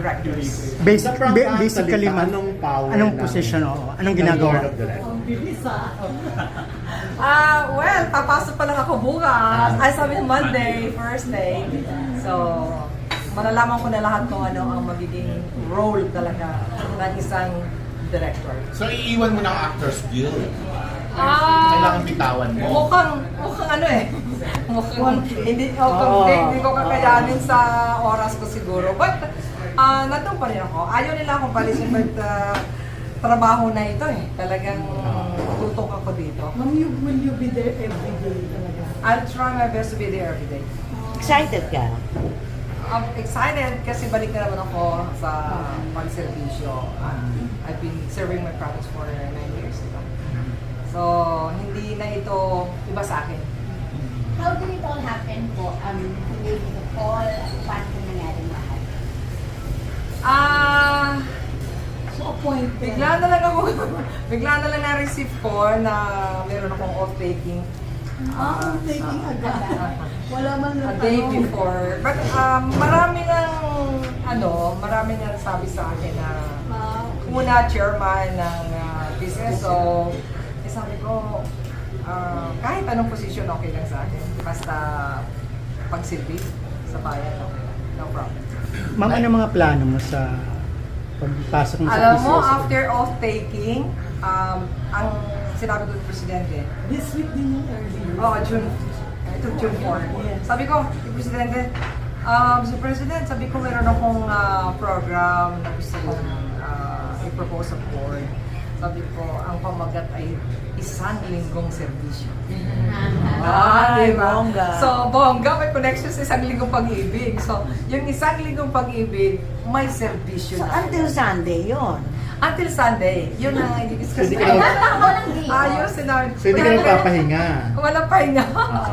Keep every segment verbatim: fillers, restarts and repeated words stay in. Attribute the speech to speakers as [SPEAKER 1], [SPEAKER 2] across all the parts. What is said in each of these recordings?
[SPEAKER 1] directors.
[SPEAKER 2] Basic,
[SPEAKER 3] Sa Frank
[SPEAKER 2] ba-
[SPEAKER 3] Ann,
[SPEAKER 2] basically,
[SPEAKER 3] salita,
[SPEAKER 2] ma'am,
[SPEAKER 3] anong power
[SPEAKER 2] anong
[SPEAKER 3] ng-
[SPEAKER 2] position, oo, anong
[SPEAKER 3] ng
[SPEAKER 2] ginagawa?
[SPEAKER 3] Board of Directors?
[SPEAKER 1] Ah, well, papasok pa lang ako bukas. Ay, sabi ng Monday, first day. So, malalaman ko na lahat kung ano ang magiging role talaga ng isang director.
[SPEAKER 4] So, iiwan mo ng Actors Guild.
[SPEAKER 1] Ah,
[SPEAKER 4] Kailangan bitawan mo.
[SPEAKER 1] mukhang, mukhang ano eh. Mukhang hindi ko, oh, hindi ko kakayanin sa oras ko siguro. But, ah, nandun pa rin ako. Ayaw nila akong palisin, but ah, trabaho na ito eh. Talagang tutok ako dito.
[SPEAKER 5] Ma'am, you, will you be there every day talaga?
[SPEAKER 1] I'll try my best to be there every day.
[SPEAKER 6] Excited ka?
[SPEAKER 1] I'm excited kasi balik na naman ako sa pagservisyo. Uh, I've been serving my province for nine years. Diba? So, hindi na ito iba sa akin.
[SPEAKER 7] How did it all happen po? Um, maybe the call, paano po nangyari lahat?
[SPEAKER 1] Ah,
[SPEAKER 5] So, appointed.
[SPEAKER 1] bigla na lang ako, bigla na lang na-receive ko na meron akong off-taking.
[SPEAKER 5] Ah, I'm taking agad. Wala man
[SPEAKER 1] A
[SPEAKER 5] lang
[SPEAKER 1] day
[SPEAKER 5] tanong.
[SPEAKER 1] before. But um, marami nang, ano, marami nang sabi sa akin na
[SPEAKER 5] Ah, okay.
[SPEAKER 1] una chairman ng uh, business. So, eh, sabi ko, ah, kahit anong position okay lang sa akin. Basta pagsilbi sa bayan, okay lang. No problem.
[SPEAKER 2] Ma'am, ano mga plano mo sa pagpasok mo sa
[SPEAKER 1] Alam mo,
[SPEAKER 2] P C S?
[SPEAKER 1] after off-taking, um, ang sinabi ko ng Presidente,
[SPEAKER 5] This week din yung earlier.
[SPEAKER 1] oh, June, ito June four. Sabi ko, kay Presidente, um, Mister President, sabi ko meron akong ah, program na gusto kong ah, i-propose sa board. Sabi ko, ang pamagat ay isang linggong serbisyo. Ah,
[SPEAKER 6] Ay,
[SPEAKER 1] diba?
[SPEAKER 6] bongga.
[SPEAKER 1] So, bongga, may connection sa isang linggong pag-ibig. So, yung isang linggong pag-ibig, may serbisyo
[SPEAKER 6] So,
[SPEAKER 1] na.
[SPEAKER 6] until Sunday yon.
[SPEAKER 1] Until Sunday, yun ang i-discuss
[SPEAKER 3] Hindi
[SPEAKER 1] natin.
[SPEAKER 3] ka-
[SPEAKER 7] Walang day off.
[SPEAKER 1] Ayos, sinabi.
[SPEAKER 3] So, hindi ka nagpapahinga.
[SPEAKER 1] Walang pahinga.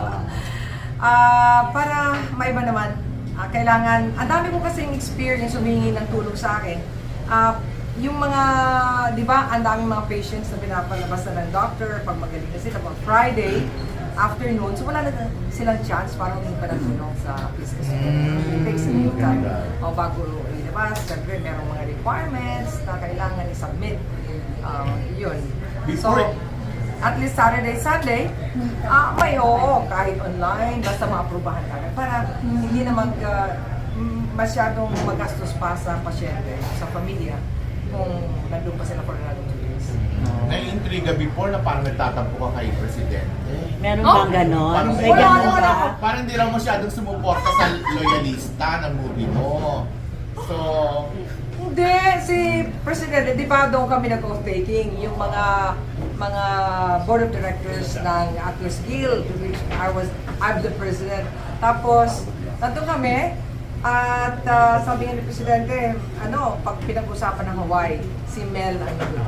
[SPEAKER 1] Ah, para maiba naman, ah, kailangan, ang dami ko kasing experience humingi ng tulong sa akin. Ah, yung mga, di ba, ang daming mga patients na pinapalabas na ng doctor, pag magaling na sila, pag Friday, afternoon, so wala na silang chance para humingi pa ng tulong sa business. It takes a new time. O bago ilabas, siyempre merong mga requirements na kailangan i-submit. Ah, yun. So,
[SPEAKER 4] Before-
[SPEAKER 1] at least Saturday, Sunday, ah, may oo, kahit online, basta maaprubahan ka. Para hindi na mag, ah, mm, masyadong magastos pa sa pasyente, sa pamilya, kung nandun pa sila for another two days.
[SPEAKER 4] Naiintriga before na parang nagtatampo ka kay Presidente.
[SPEAKER 6] Meron
[SPEAKER 1] Oh,
[SPEAKER 6] bang ganon?
[SPEAKER 4] parang
[SPEAKER 6] May
[SPEAKER 1] wala
[SPEAKER 6] ganon
[SPEAKER 1] naman
[SPEAKER 6] ba?
[SPEAKER 1] ako.
[SPEAKER 4] Parang hindi raw masyadong sumuporta sa loyalista ng movie mo. So,
[SPEAKER 1] Hindi, si Presidente, di ba doon kami nag-off-taking, yung mga mga board of directors ng Atlas Guild, which I was, I'm the president. Tapos, nandun kami, at ah, sabi nga ni Presidente, ano, pag pinag-usapan ng Hawaii, si Mel ang nandun.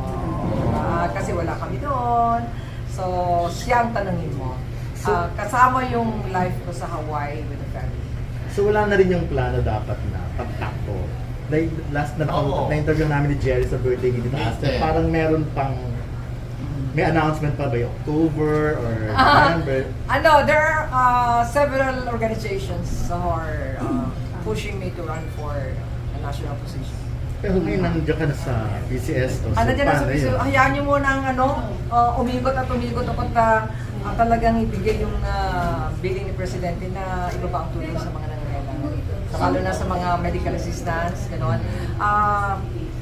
[SPEAKER 1] Ah, kasi wala kami doon. So, siya ang tanungin mo. Ah, kasama yung life ko sa Hawaii with the family.
[SPEAKER 3] So, wala na rin yung plano dapat na pagtakbo. Like, last na
[SPEAKER 4] Oo.
[SPEAKER 3] na-interview namin ni Jerry sa birthday ni Master,
[SPEAKER 4] Yeah.
[SPEAKER 3] parang meron pang may announcement pa ba yung October or November?
[SPEAKER 1] Ano, there are uh, several organizations who are uh, pushing me to run for a national position.
[SPEAKER 3] Pero ngayon nandiyan ka na sa B C S. O, so
[SPEAKER 1] Ano dyan na
[SPEAKER 3] paano
[SPEAKER 1] sa
[SPEAKER 3] yun?
[SPEAKER 1] hayaan nyo muna ang ano, uh, umigot at umigot ako ta uh, talagang ibigay yung uh, billing ni Presidente na ibaba ang tulong sa mga nangangailangan. Lalo na sa mga medical assistance, gano'n. Uh,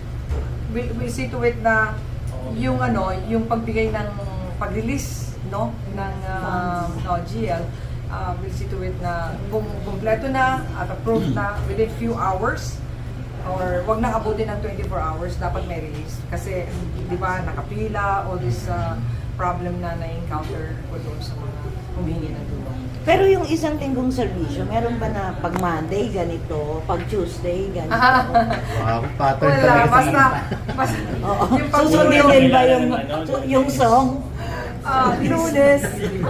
[SPEAKER 1] we, we see to it na yung ano, yung pagbigay ng pag-release no ng uh, no, G L, uh, we'll see to it na kung kumpleto na at approved na within few hours or wag na abutin ng twenty-four hours, dapat may release. Kasi, di ba, nakapila, all this uh, problem na na-encounter ko doon sa mga humingi ng tulong.
[SPEAKER 6] Pero yung isang linggong serbisyo, meron ba na pag Monday ganito, pag Tuesday ganito?
[SPEAKER 3] Wow, pattern
[SPEAKER 1] Wala,
[SPEAKER 3] talaga sa
[SPEAKER 1] basta, basta,
[SPEAKER 6] Oo.
[SPEAKER 1] yung
[SPEAKER 6] Susundin
[SPEAKER 1] pagtulong,
[SPEAKER 6] din ba yung, yung song?
[SPEAKER 1] ah, Lunes,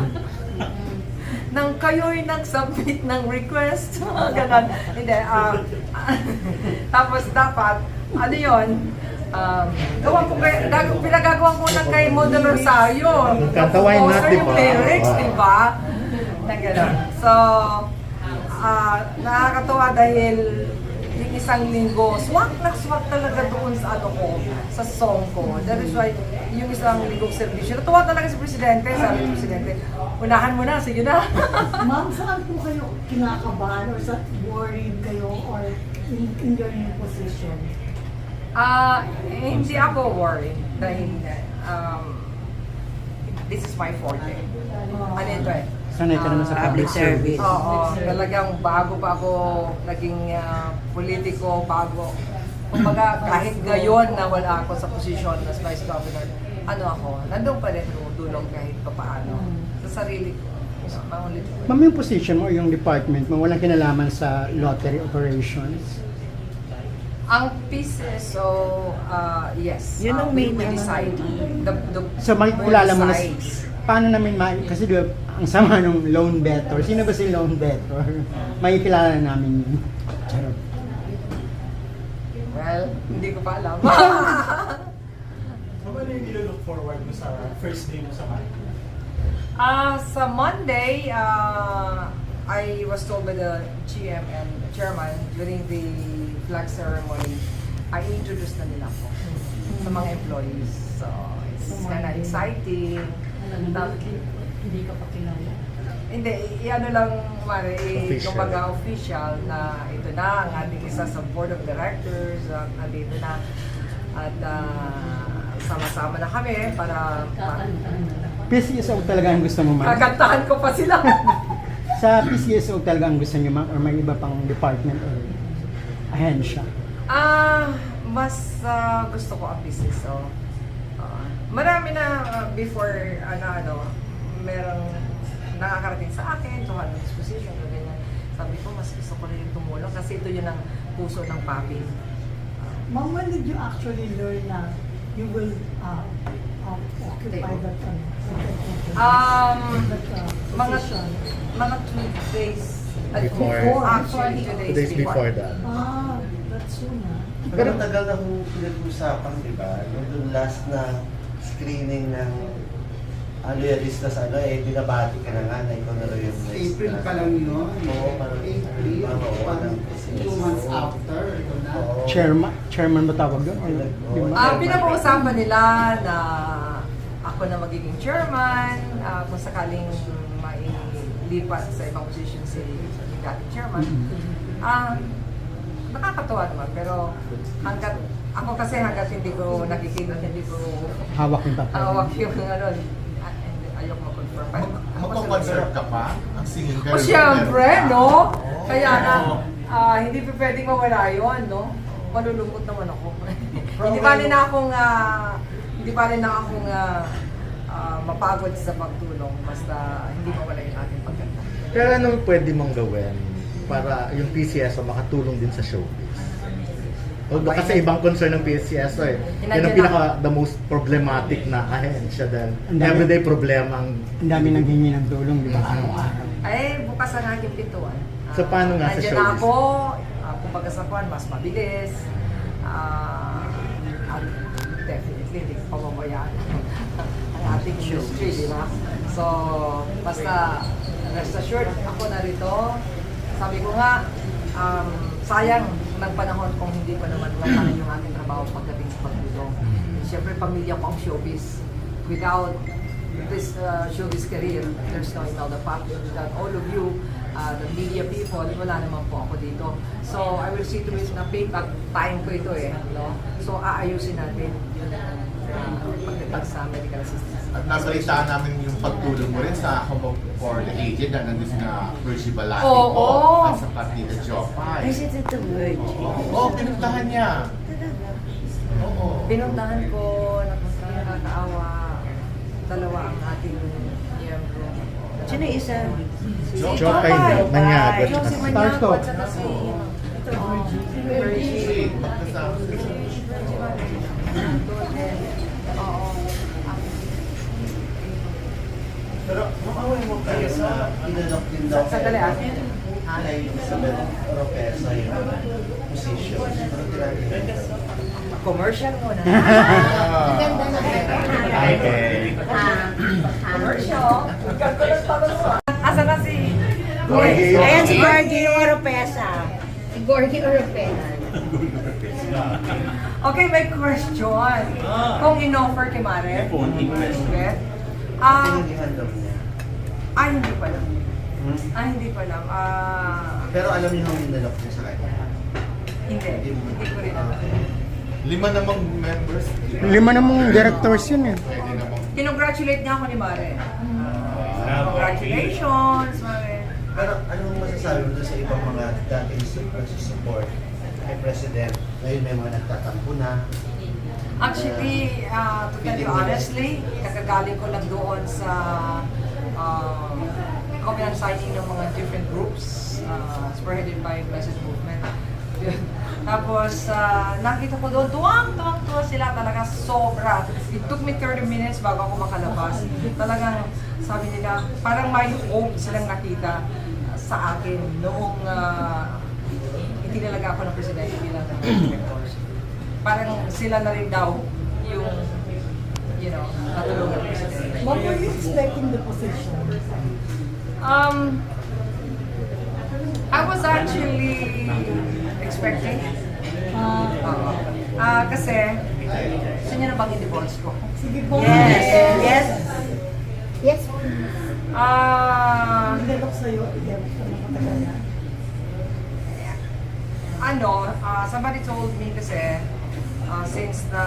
[SPEAKER 1] nang kayo'y nag-submit ng request, ganon. Hindi, ah, tapos dapat, ano yun, um, gawan ko kay, gag, pinagagawa ko na kay Model Rosario.
[SPEAKER 3] Yung kanta, why not,
[SPEAKER 1] Composer
[SPEAKER 3] di
[SPEAKER 1] yung
[SPEAKER 3] ba?
[SPEAKER 1] lyrics,
[SPEAKER 3] Oo.
[SPEAKER 1] di ba? Na ganon. So, ah, nakakatuwa dahil yung isa isang linggo, swak na swak talaga doon sa ano ko, sa song ko. That is why, yung isang linggong servisyo, natuwa talaga si Presidente, sabi ni Presidente, unahan mo na, sige na.
[SPEAKER 5] Ma'am, saan po kayo kinakabahan or sa worried kayo or in, in your new position?
[SPEAKER 1] Ah, eh, hindi ako worried dahil um, this is my forte. Ano ito eh?
[SPEAKER 2] Sanay ka naman sa
[SPEAKER 1] Ah,
[SPEAKER 2] public service.
[SPEAKER 1] Oo, talagang bago pa ako naging ah, politiko, bago. Kumbaga, kahit gayon na wala ako sa posisyon as Vice Governor, ano ako, nandun pa rin tumutulong kahit pa paano sa sarili ko. Sa pangulit ko.
[SPEAKER 2] Ma'am, yung position mo, yung department mo, walang kinalaman sa lottery operations?
[SPEAKER 1] Ang pieces, so, uh, yes.
[SPEAKER 6] Yun
[SPEAKER 1] uh,
[SPEAKER 6] ang
[SPEAKER 1] we
[SPEAKER 6] main
[SPEAKER 1] will
[SPEAKER 6] ano
[SPEAKER 1] decide. The, the,
[SPEAKER 2] So makikilala mo na,
[SPEAKER 1] sides.
[SPEAKER 2] paano namin, ma- kasi di ba, ang sama nung loan debtor, sino ba si loan debtor? Makikilala namin yun. Charot.
[SPEAKER 1] Well, hindi ko pa alam.
[SPEAKER 3] Ano yung ilo-look forward mo sa first day mo sa Monday?
[SPEAKER 1] Ah, sa Monday, uh, I was told by the G M and chairman during the flag ceremony, I introduced na nila ako sa mga employees. So, it's kind of exciting. Tap-
[SPEAKER 5] Hindi ka pa kilala.
[SPEAKER 1] Hindi, i-ano lang, Mare, i-
[SPEAKER 3] Official.
[SPEAKER 1] kumbaga official na ito na ang ating isa sa board of directors, uh, andito na. At ah, sama-sama na kami para pa-
[SPEAKER 2] P C S O talaga ang gusto mo, ma'am?
[SPEAKER 1] kakantahan ko pa sila.
[SPEAKER 2] Sa P C S O talaga ang gusto niyo, ma'am? Or may iba pang department or ahensya?
[SPEAKER 1] Ah, mas ah, gusto ko ang business. So, ah, marami na ah, before ano ano, merong nakakarating sa akin, to have this position o ganyan. Sabi ko, mas gusto ko rin tumulong kasi ito yun ang puso ng papi.
[SPEAKER 5] Ma'am, when did you actually learn na you will uh, uh, occupy that, uh,
[SPEAKER 1] Um,
[SPEAKER 5] that uh,
[SPEAKER 1] mga
[SPEAKER 5] position?
[SPEAKER 1] mga two days
[SPEAKER 3] Before.
[SPEAKER 1] Actually, two days,
[SPEAKER 3] Two days before that.
[SPEAKER 5] Ah, that's soon ah.
[SPEAKER 8] Pero tagal na kong pinag-usapan, di ba? Nung last na screening ng ano yung list na sa ano, eh, binabati ka na nga na ikaw na rin yung next
[SPEAKER 9] April
[SPEAKER 8] na-
[SPEAKER 9] pa lang yun.
[SPEAKER 8] Oo, parang
[SPEAKER 9] April.
[SPEAKER 8] parang oo,
[SPEAKER 9] Parang
[SPEAKER 8] ng-
[SPEAKER 9] two months after, ito na.
[SPEAKER 8] Oo.
[SPEAKER 2] Chairman, chairman ba tawag doon? Or,
[SPEAKER 8] Oo.
[SPEAKER 2] di ba?
[SPEAKER 1] Ah, pinag-uusapan nila na ako na magiging chairman, ah, kung sakaling mailipat sa ibang position si yung dating chairman. Ah, nakakatuwa naman, pero hanggat ako kasi hanggat hindi ko nakikita, hindi ko
[SPEAKER 2] Hawak yung papel.
[SPEAKER 1] hawak yung ano, ah, hindi, ayoko mag-confirm. Ako sila-
[SPEAKER 4] Magpapaserve ka pa? Ang singing
[SPEAKER 1] O
[SPEAKER 4] career.
[SPEAKER 1] siyempre, no?
[SPEAKER 4] Oo.
[SPEAKER 1] Kaya na, ah, hindi pa pwedeng mawala yun, no? Malulungkot naman ako. hindi pa rin na akong, ah, hindi pa rin na akong ah, ah, mapagod sa pagtulong basta hindi mawala yung ating pagkanta.
[SPEAKER 3] Pero anong pwede mong gawin para yung P C S O makatulong din sa showbiz? Although kasi ibang concern ng P C S O eh. Yun ang pinaka the most problematic na ahensya dahil
[SPEAKER 2] Ang dami-
[SPEAKER 3] everyday problema ang
[SPEAKER 2] Ang dami nang hingi ng tulong, di ba?
[SPEAKER 3] Mhm.
[SPEAKER 2] Araw-araw.
[SPEAKER 1] Ay, bukas ang aking pintuan.
[SPEAKER 3] So, paano nga sa
[SPEAKER 1] nandiyan
[SPEAKER 3] showbiz?
[SPEAKER 1] na ako, uh, kumbaga sa kwan, mas mabilis. Ah, at definitely, hindi ko pababayaan ang ating industry, di ba? So, basta rest assured, ako na rito. Sabi ko nga, um, sayang ng panahon kung hindi pa naman mapanan yung ating trabaho pagdating sa pagtulong. Siyempre, pamilya ko ang showbiz. Without this uh, showbiz career, there's no Imelda Pop. Without all of you, uh, the media people, wala naman po ako dito. So, I will see to it na payback time ko ito eh. No? So, aayusin natin yun uh, pagdating sa medical assistance.
[SPEAKER 4] At nabalitaan namin yung pagtulong mo rin sa Home for the Aged na nandun na Virgie Balati
[SPEAKER 1] Oo.
[SPEAKER 4] po at sa Partida Jopay.
[SPEAKER 6] Is it the word?
[SPEAKER 4] Oo, oh, pinuntahan niya. Oo.
[SPEAKER 1] Pinuntahan ko, napunta, nakakaawa, dalawa ang ating miyembro.
[SPEAKER 6] Sino yung isa?
[SPEAKER 3] Jopay, Manyago.
[SPEAKER 1] Yung si Manyago
[SPEAKER 2] Starstruck.
[SPEAKER 1] at saka si ito,
[SPEAKER 4] Virgie,
[SPEAKER 1] Virgie.
[SPEAKER 4] magkasama sila.
[SPEAKER 1] Virgie ba? Doon din. Oo.
[SPEAKER 8] Pero makawin mo kayo na inalok din daw
[SPEAKER 1] Sa- sandali, ah.
[SPEAKER 8] kay Elizabeth Oropesa yung position. Pero tinatingnan ko.
[SPEAKER 1] Commercial muna.
[SPEAKER 4] Ah.
[SPEAKER 7] Ganda na
[SPEAKER 3] Okay.
[SPEAKER 1] Commercial. Ganda ng tanong mo. Asa na si...
[SPEAKER 3] Gorgie.
[SPEAKER 6] Ayan si Gorgie Oropesa.
[SPEAKER 7] Si Gorgie Oropesa.
[SPEAKER 1] Okay, may question. Kung in-offer kay Mare, Beth, ah,
[SPEAKER 8] Tinanggihan daw niya.
[SPEAKER 1] ay, hindi pa lang.
[SPEAKER 8] Hmm?
[SPEAKER 1] Ah, hindi pa lang. Ah,
[SPEAKER 8] Pero alam niyo yung inalok niya sa kanya.
[SPEAKER 1] hindi. Hindi ko rin alam.
[SPEAKER 8] Okay.
[SPEAKER 4] Lima namang members. di ba?
[SPEAKER 2] Lima namang directors yun eh.
[SPEAKER 4] Pwede namang
[SPEAKER 1] Kinongratulate niya ako ni Mare. Ah, congratulations, Mare.
[SPEAKER 8] Pero anong masasabi mo doon sa ibang mga dating support kay President? Ngayon may mga nagtatampo na.
[SPEAKER 1] Actually, uh, to tell you honestly, kakagaling ko lang doon sa uh, covenant signing ng mga different groups, uh, spearheaded by Blessed Movement. Tapos, uh, nakita ko doon, tuwang-tuwang tuwa sila talaga sobra. It took me thirty minutes bago ako makalabas. Talagang sabi nila, parang may hope silang nakita sa akin noong uh, itinalaga ako ng presidente bilang ng directors. Parang sila na rin daw yung, you know, natulungan ng presidente.
[SPEAKER 5] What were you expecting the position?
[SPEAKER 1] Um, I was actually expecting.
[SPEAKER 5] Ah,
[SPEAKER 1] Oo. Ah, kasi, gusto niyo na bang i-divorce ko?
[SPEAKER 5] sige po.
[SPEAKER 6] Yes, yes.
[SPEAKER 7] Yes.
[SPEAKER 1] Ah,
[SPEAKER 5] Inalok sa'yo, igen, ano matagal na.
[SPEAKER 1] ano, ah, somebody told me kasi, ah, since na,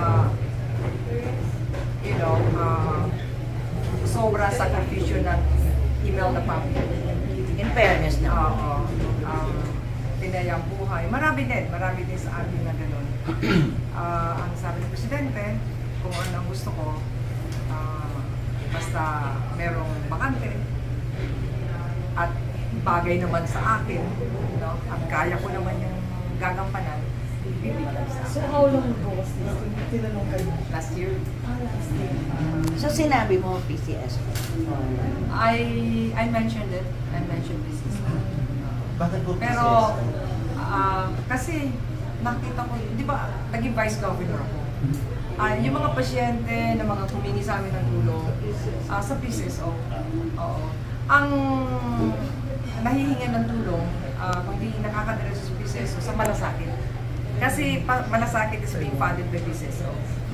[SPEAKER 1] you know, ah, sobra sakripisyo ng email na family.
[SPEAKER 6] In fairness na.
[SPEAKER 1] Oo. Um, tinayang buhay. Marami din, marami din sa atin na gano'n. Ah, ang sabi ng presidente, kung ano ang gusto ko, ah, basta merong bakante at bagay naman sa akin, no? At kaya ko naman yung gagampanan, bibigyan sa
[SPEAKER 5] So
[SPEAKER 1] akin.
[SPEAKER 5] how long ago was this? Tinanong kayo?
[SPEAKER 1] Last year,
[SPEAKER 5] Ah, last year.
[SPEAKER 6] So sinabi mo P C S.
[SPEAKER 1] I I mentioned it. I mentioned this.
[SPEAKER 8] Bakit po
[SPEAKER 1] Pero, ah, kasi nakita ko, di ba, naging vice governor ako. Ah, yung mga pasyente na mga humingi sa amin ng tulong ah, sa P C S O. Oo. Ang nahihingan ng tulong, ah, kung di nakakadiretso sa P C S O, sa malasakit. Kasi pa, malasakit is being funded by P C S O.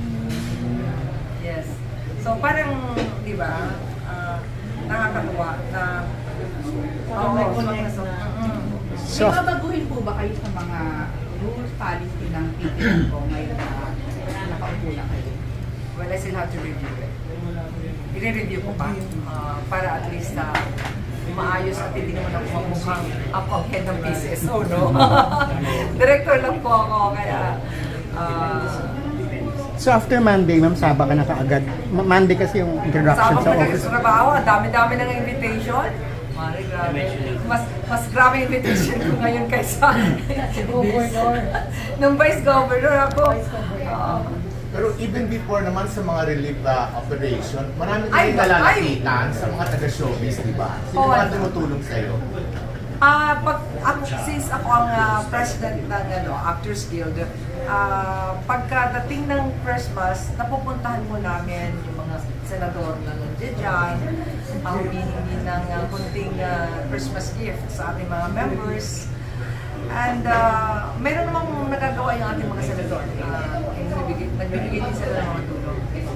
[SPEAKER 1] Yes. So parang, di ba, ah, nakakatuwa na
[SPEAKER 5] Parang may
[SPEAKER 1] Oo,
[SPEAKER 5] connect
[SPEAKER 1] so-
[SPEAKER 5] na.
[SPEAKER 1] Mm.
[SPEAKER 2] So,
[SPEAKER 10] May babaguhin po ba kayo sa mga rules, policy ng P P M po ngayon na nakaupo na kayo?
[SPEAKER 1] Well, I still have to review it. I-review ko pa ah, para at least na maayos at hindi naman ako mamukhang up ang head ng P C S O, no? Director lang po ako, kaya ah,
[SPEAKER 2] so after Monday, ma'am, Saba ka na kaagad. Ma- Monday kasi yung introduction
[SPEAKER 1] sama
[SPEAKER 2] sa
[SPEAKER 1] ko na
[SPEAKER 2] office.
[SPEAKER 1] sa trabaho, ang dami-dami ng invitation. Mari, grabe. Mas, mas grabe invitation ko ngayon kaysa
[SPEAKER 5] Governor.
[SPEAKER 1] nung vice governor ako.
[SPEAKER 5] Vice governor.
[SPEAKER 1] Oo.
[SPEAKER 4] Pero even before naman sa mga relief uh, operation, marami
[SPEAKER 1] Ay,
[SPEAKER 4] tayong nalalapitan sa mga taga-showbiz, di ba? Sino
[SPEAKER 1] Oo.
[SPEAKER 4] mga tumutulong sa'yo?
[SPEAKER 1] Ah, pag ako, since ako ang ah, president ng ano, Actors Guild, ah, pagkadating ng Christmas, napupuntahan mo namin yung mga senador na nandiyan dyan, ang humihingi ng uh, kunting ah, Christmas gift sa ating mga members. And uh, meron namang nagagawa yung ating mga senador. Uh, nagbibigay, nagbibigay din sila ng mga tulong.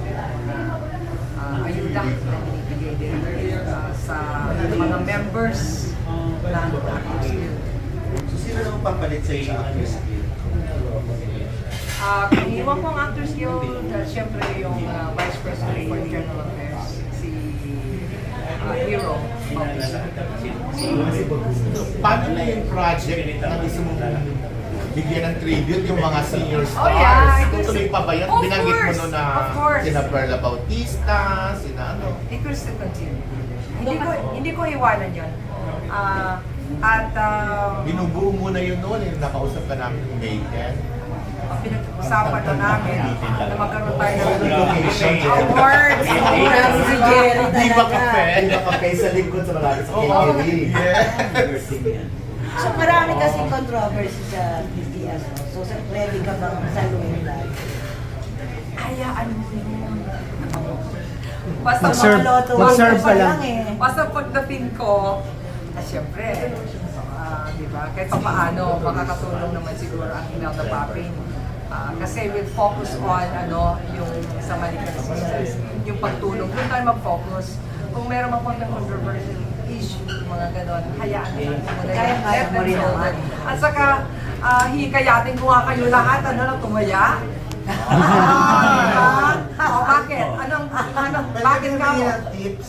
[SPEAKER 1] Uh, ayuda na binibigay din uh, sa mga members ng Actors Guild.
[SPEAKER 8] So sino naman papalit sa'yo sa Actors Guild?
[SPEAKER 1] Ah, kung iwan ko ang Actors Guild, uh, syempre yung uh, Vice President for Internal Affairs, si uh, Hero Bautista.
[SPEAKER 4] Paano na yung project na gusto mong bigyan ng tribute yung mga senior stars?
[SPEAKER 1] Oh, yeah, it was-
[SPEAKER 4] Tutuloy pa ba yan?
[SPEAKER 1] Of
[SPEAKER 4] Binanggit mo
[SPEAKER 1] course,
[SPEAKER 4] no na
[SPEAKER 1] of course.
[SPEAKER 4] sina Perla Bautista, sina ano?
[SPEAKER 1] It will still continue. Hindi ko hindi ko iwanan yun. Ah, at uh,
[SPEAKER 4] Binubuo mo na yun noon, yung nakausap ka namin yung May tenth.
[SPEAKER 1] ang pinag-usapan na namin na magkaroon tayo ng
[SPEAKER 4] Location,
[SPEAKER 1] awards. awards.
[SPEAKER 6] Si Jerry
[SPEAKER 3] Di ba
[SPEAKER 6] talaga.
[SPEAKER 3] kape? Di ba kape sa lingkod sa malapit sa K K D?
[SPEAKER 4] Yes!
[SPEAKER 6] So marami kasi controversy sa P C S O. So sa- ready ka bang saluhin lahat?
[SPEAKER 1] Hayaan mo yun. Basta
[SPEAKER 2] Mag-serve-
[SPEAKER 6] Loto,
[SPEAKER 2] mag-serve
[SPEAKER 6] loto
[SPEAKER 2] ka
[SPEAKER 6] pa
[SPEAKER 2] lang.
[SPEAKER 6] eh.
[SPEAKER 1] Basta pagdating ko, ah, syempre, ah, di ba? Kahit pa paano, makakatulong naman siguro ang Imelda Papin. Ah, kasi with focus on ano, yung sa medical assistance, yung pagtulong, doon tayo mag-focus. Kung meron mang konting controversial issue, mga ganon, hayaan na lang muna
[SPEAKER 6] Kaya
[SPEAKER 1] yan.
[SPEAKER 6] kaya
[SPEAKER 1] Let
[SPEAKER 6] mo
[SPEAKER 1] them
[SPEAKER 6] rin
[SPEAKER 1] solve
[SPEAKER 6] naman.
[SPEAKER 1] it. At saka, ah, hikayatin ko nga kayo lahat, ano lang, tumaya. Ah, oh, bakit? Anong, anong, bakit ka mo?
[SPEAKER 8] tips.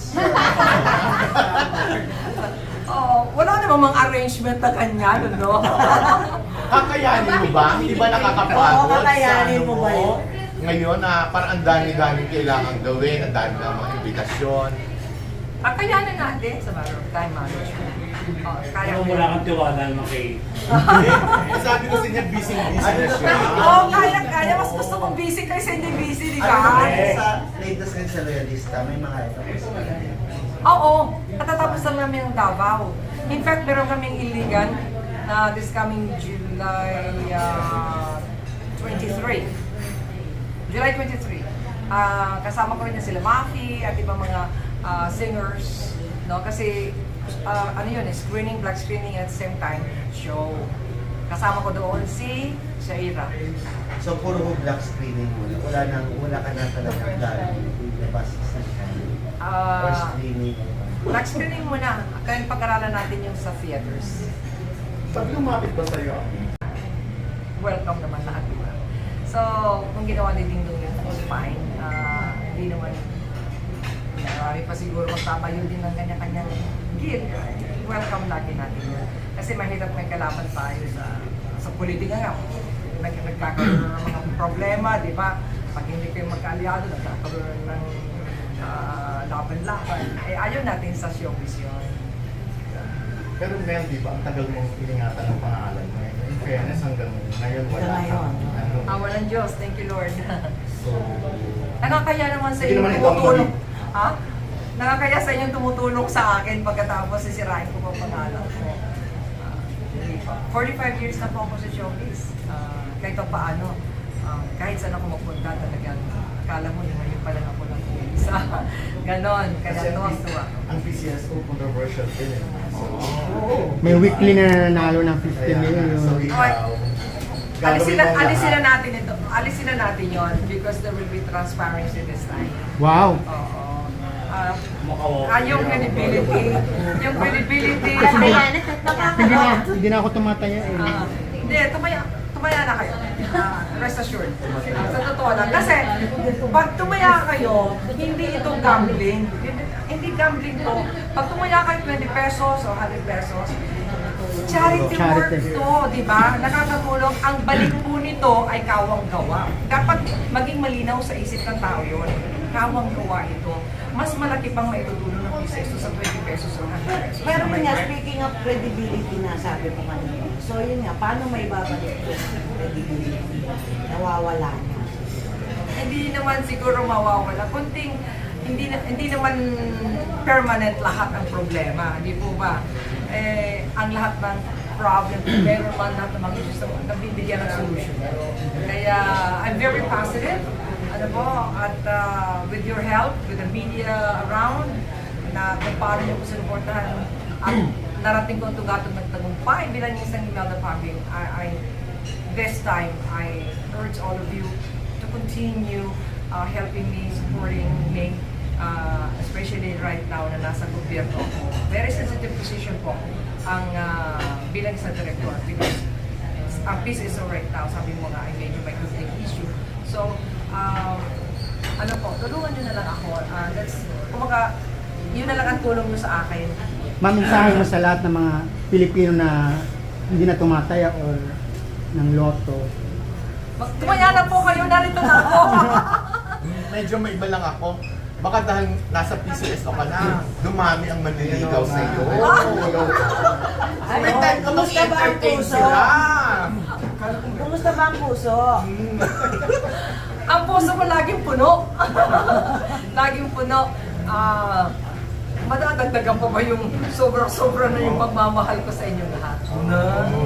[SPEAKER 1] Oh, wala namang mga arrangement na ganyan, no?
[SPEAKER 4] Kakayanin mo ba? Hindi ba nakakapagod?
[SPEAKER 6] Oo, kakayanin
[SPEAKER 4] sa
[SPEAKER 6] mo ba
[SPEAKER 4] ano
[SPEAKER 6] yun?
[SPEAKER 4] Ngayon na parang ang dami-dami kailangan gawin, ang dami ng mga imbitasyon.
[SPEAKER 1] Kakayanin natin sa matter of time management. Oh, kaya
[SPEAKER 9] Pero wala kang tiwala naman kay...
[SPEAKER 4] Eh, sabi ko sa niya, busy-busy na siya.
[SPEAKER 1] Oo, kaya, kaya. Mas gusto kong busy kaysa hindi busy, di
[SPEAKER 8] Ano
[SPEAKER 1] ba?
[SPEAKER 8] naman sa latest ngayon sa Loyalista, may mga ito.
[SPEAKER 1] Oo, katatapos lang namin ng Davao. In fact, meron kaming iligan na this coming July uh, twenty-three. July twenty-three. Ah, kasama ko rin na sila Mafi at ibang mga ah, singers. No? Kasi ah, ano yun, eh, screening, black screening at the same time, show. Kasama ko doon si Shaira.
[SPEAKER 8] So, puro black screening mo. Wala nang, wala ka na talaga plan. Labas sa or
[SPEAKER 1] Ah,
[SPEAKER 8] screening.
[SPEAKER 1] black screening muna. Kaya pag-aralan natin yung sa theaters.
[SPEAKER 4] Sabi lumapit ba sa'yo?
[SPEAKER 1] Welcome naman lahat, di ba? So, kung ginawa ni Ding Dong yun, it's fine. Ah, hindi naman, marami pa siguro magtatayo din ng kanya-kanyang gear. Welcome lagi natin yun. Kasi mahirap may kalaban tayo sa sa politika nga. Nag nagkakaroon ng mga problema, di ba? Pag hindi kayo magkaalyado, nagkakaroon ng ah, laban-laban. Eh, ayaw natin sa showbiz yun.
[SPEAKER 4] Pero Mel, di ba, ang tagal mong iningatan ng pangalan mo. In fairness, hanggang ngayon wala
[SPEAKER 6] Hanggang ngayon.
[SPEAKER 4] kang ano.
[SPEAKER 1] Awa ng Diyos, thank you Lord.
[SPEAKER 4] So,
[SPEAKER 1] Nakakaya naman sa
[SPEAKER 4] Hindi
[SPEAKER 1] inyo
[SPEAKER 4] naman ikaw ang
[SPEAKER 1] tumutulong.
[SPEAKER 4] mali.
[SPEAKER 1] Ha? Nakakaya sa inyo tumutulong sa akin pagkatapos sisirain ko pa pangalan ko. Ah, hindi pa. forty-five years na po ako sa showbiz. Ah, kahit pa paano, ah, kahit saan ako magpunta talagang akala mo yung ngayon pa lang ako lang isa. Ganon, kaya
[SPEAKER 4] kasi ang,
[SPEAKER 1] tuwang-tuwa.
[SPEAKER 4] ang P C S O controversial din eh. So,
[SPEAKER 2] May weekly na nanalo ng fifty
[SPEAKER 4] kaya,
[SPEAKER 2] million.
[SPEAKER 4] so ikaw,
[SPEAKER 1] Alisin
[SPEAKER 4] gagawin
[SPEAKER 1] na,
[SPEAKER 4] mo
[SPEAKER 1] alisin na
[SPEAKER 4] lahat.
[SPEAKER 1] natin ito. Alisin na natin yon because there will be transparency this time.
[SPEAKER 2] Wow!
[SPEAKER 1] Oo. Ah,
[SPEAKER 9] Makawa.
[SPEAKER 1] ah, yung credibility, yung credibility.
[SPEAKER 2] Hindi na, hindi na ako tumataya eh.
[SPEAKER 1] Ah, hindi, tumaya, tumaya na kayo. Ah, rest assured. Ah, sa totoo lang. Kasi, pag tumaya kayo, hindi ito gambling. Hindi, hindi gambling to. Pag tumaya kayo twenty pesos o one hundred pesos, charity,
[SPEAKER 2] Charity.
[SPEAKER 1] work to, di ba? Nakakatulong. Ang balik po nito ay kawang gawa. Dapat maging malinaw sa isip ng tao yun. Kawang gawa ito. Mas malaki pang maitutulong ng piso sa twenty pesos o one hundred pesos.
[SPEAKER 6] Pero yun nga, speaking of credibility na sabi ko kanina. So yun nga, paano may babalik yung credibility? Nawawala na.
[SPEAKER 1] Hindi naman siguro mawawala. Kunting, hindi na, hindi naman permanent lahat ang problema, di po ba? Eh, ang lahat ng problem, meron man lahat ng mga issues na nabibigyan ng solution. Kaya, I'm very positive, ano po, at uh, with your help, with the media around, na kung paano niyo ko sinuportahan, at narating ko ang tugatong nagtagumpay bilang isang Imelda Papin, I, I, this time, I urge all of you to continue uh, helping me, supporting me, uh, especially right now na nasa gobyerno ako. Very sensitive position po ang uh, bilang isang director because ang peace is all right now, sabi mo nga, ay medyo may conflict issue. So, um, ano po, tulungan nyo na lang ako. Uh, that's, kumaga, yun na lang ang tulong nyo sa akin.
[SPEAKER 2] Maminsahe mo sa lahat ng mga Pilipino na hindi na tumataya or ng loto.
[SPEAKER 1] Mag- Tumaya na po kayo, narito na ako.
[SPEAKER 4] Medyo may iba lang ako. Baka dahil nasa P C S O ka na, dumami ang manliligaw sa iyo. May time ka
[SPEAKER 6] Kumusta ba ang
[SPEAKER 4] mag-entertain
[SPEAKER 6] puso?
[SPEAKER 4] sila.
[SPEAKER 6] Kumusta ba ang puso?
[SPEAKER 1] Ang puso ko laging puno. Laging puno. Ah, madadagdagan pa ba yung sobra-sobra na yung pagmamahal ko sa inyong lahat?